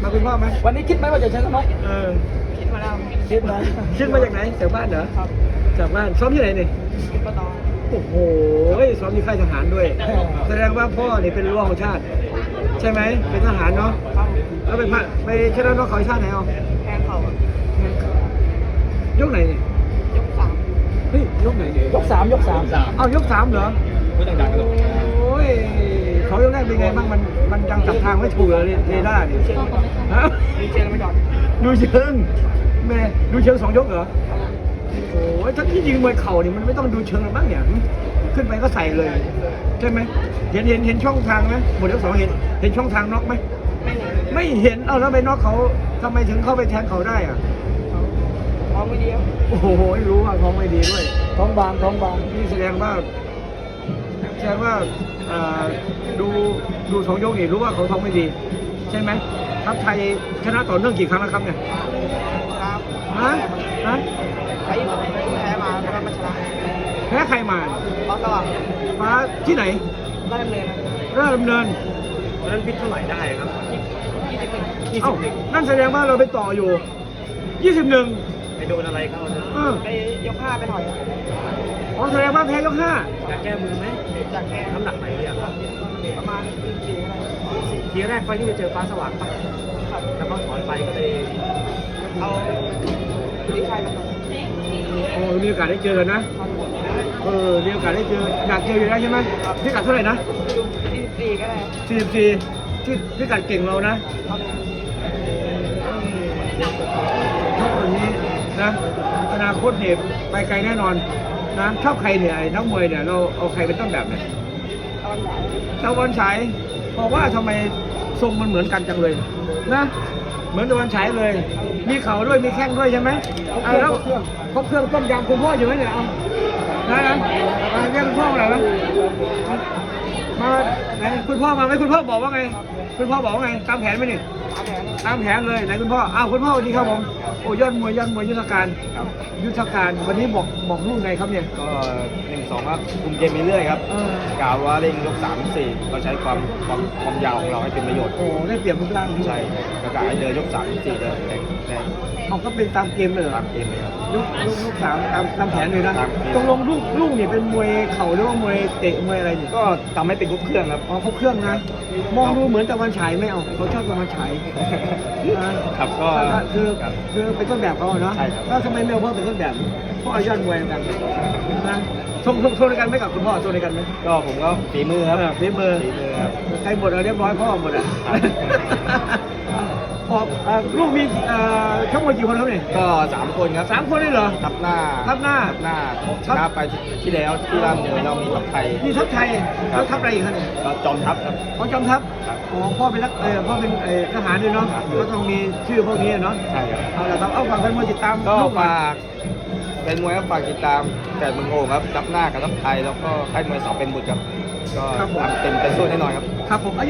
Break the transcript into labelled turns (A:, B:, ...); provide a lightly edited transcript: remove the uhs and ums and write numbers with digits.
A: มาคุณพ่อไหม
B: วันนี้คิดไหมว่าจะชนะน็อก
A: คิดมาแล้ว
B: คิดนะ
A: คิดมาจากไหนจากบ้านเหรอ
B: ครับ
A: จากบ้านซ้อมที่ไหนนี่
B: คิดมาต่อ
A: โอ้โหซ้อมที่ค่ายทหารด้วย แสดงว่าพ่อนี่เป็นรั้วของชาติ ใช่ไหมเป็นทหารเนาะ
B: ครับ
A: แล้วไปชนะน็อกเขาชาติไหนเอา
B: แทงเข่าย
A: กไหนนี่
B: ยกสาม
A: เฮ้ยยกไหนนี่
B: ยกสามยกสาม
A: เอายก3เหรอ
C: ไม่ต้องดังกันหรอก
A: โอ้ยเขายกแรกเป็นไงบ้างมันยังจับทางไม่ถูกเลยเรด้าร์นี่ฮะ
B: มีเชียงไม่จอด
A: ดูเชิงแม่ดูเชิง2 ยกเหรอโอ้ยถ้าที่ยิงมวยเข่านี่มันไม่ต้องดูเชิงหรอกบ้างเนี่ยขึ้นไปก็ใส่เลยใช่ไหมเห็นช่องทางไหมหมดยก 2เห็นช่องทางน็อกไหม
B: ไม่เห็น
A: ไม่เห็นเอาแล้วไปน็อกเขาทำไมถึงเข้าไปแทงเขาได้อ่ะ
B: ท้องไม่ดีครับ
A: โอ้โหรู้ว่าท้องไม่ดีด้วย
B: ท้องบางท้องบาง
A: นี่แสดงว่าอ่าดู2 ยกนี่รู้ว่าเขาท้องไม่ดี ใช่ไหมทัพไทยชนะต่อเนื่องกี่ครั้งแล้วครับเนี่ย
B: ครับ
A: ฮะฮะ
B: ใครแพ้มาแล้วมาชนะ
A: แพ้ใครมา
B: ฟ้าสว่าง
A: ฟ้าที่ไหน
B: ได้ดำเนิน
A: ราชดำเนิน
C: วันนั้นพิษเท่าไหร่ได้ครับ
B: 21
A: เอ้านั่นแสดงว่าเราไปต่ออยู่ 21
C: ไปโดนอะไรเข้าเนี่ย
B: ไปยก5ไปหน่อย
A: อ๋อแสดงว่าแพ้ยก
C: อยากแก้มือไหม
B: จากแก
C: น้ำหนักไหนเนี่ยครับ
B: ประมาณ4อะไร
C: ทีแรกไฟที่ไปเจอฟ้าสว่างปะ
B: ครับ
C: แล้วก็ถอนไปก็เลย
B: เอาที่ใครมาต่อ
A: 5โอ้มีโอกาสได้เจอกันนะ
B: ครับ
A: มีโอกาสได้เจออยากเจออยู่แล้วใช่ไหมพิกัดเท่าไหร่นะ
B: 44ก็ได้
A: 44ที่พิกัดเก่งเรานะครับ ชอบแบบนี้นะอนาคตเนี่ยไปไกลแน่นอนนะชอบใครเนี่ยไอ้นักมวยเนี่ยเราเอาใครเป็นต้นแบบเนี่ย
B: ตะวันฉาย
A: ตะวันฉายบอกว่าทำไมทรงมันเหมือนกันจังเลยนะเหมือนตะวันฉายเลย มีเข่าด้วยมีแข้งด้วยใช่ไหมแล้วครบเครื่องต้มยำคุณพ่ออยู่ไหมเนี่ยเอานะมาเรียกคุณพ่อมาหน่อยนะมาไหนคุณพ่อมาไหมคุณพ่อบอกว่าไง คุณพ่อบอกว่าไงตามแผนไหมนี่
B: ตามแผน
A: ตามแผนเลยไหนคุณพ่ออ้าวคุณพ่อสวัสดีครับผมโอ้ยอดมวยยุทธการ
C: ครับ
A: ยุทธการวันนี้บอกลูกไงครับเนี่ย
C: ก็1-2ครับคุมเกมไปเรื่อยครับ
A: เออก
C: ล่าวว่าเร่งยก3-4เราใช้ความยาวของเราให้เป็นประโยชน์
A: โอ้ได้เปรียบรูปร่าง
C: ใช่ประกาศให้เดินยก3-4เดินแรง
A: เอาก็เป็นตามเกมเลยเหรอ
C: ตามเกมเลยครับ
A: ลูกสามตามแผนเลยนะ
C: ตามเกม
A: ตกลงลูกเนี่ยเป็นมวยเข่าหรือว่ามวยเตะมวยอะไรเนี่ย
C: ก็ทำให้เป็นครบเครื่องครับ
A: อ๋อเขาเครื่องนะ มองดูเหมือนตะวันฉายไหมเอาเขาชอบตะวันฉายนะครับ
C: ก็
A: คือ
C: ครับ
A: คือเป็นต้นแบบเขาอะเนาะ
C: ใช่ครับ
A: แล้วทำไมไม่เอาพ่อเป็นต้นแบบพ่อยอดมวยเหมือนกันนะส่งในกันไหมกับคุณพ่อส่งในกันไหม
C: ก็ผมก็ฝีมือครับ
A: ฝีมือ
C: ฝีมือครับ
A: ใครหมดเอาเรียบร้อยพ่อหมดอ่ะ ออกลูกมีทั้งหมดกี่คนครับเนี่ย
C: ก็3 คนครับ
A: 3 คนเลยเหรอ
C: ทับหน้า
A: ทับหน้า
C: ชนะไปที่แล้วที่ร่ามเนินเรามีทับไทย
A: นี่ทัพไทย
C: ครั
A: แล้
C: บ
A: วทัพอะไรอีกครับเนี่ย
C: ก็จอมทัพครับ
A: ของจอมทัพ
C: ครับ
A: อ๋อพ่อเป็นพ่อเป็นทหารด้วยเนาะ
C: ครับ
A: ก็ต้องมีชื่อพวกนี้เนาะ
C: ใช่ครับ
A: เอาละครับเอาฝากแฟนมวยติดตาม
C: ก็
A: ลูกหน่อย
C: ฝากเป็นมวยครับฝากติดตามแก่เมืองโอ่งครับทับหน้ากับทับไทยแล้วก็ค่ายมวยเสาเป็นบุตรครับก็ทำเต็มสู้แน่นอนครับ
A: ครับผม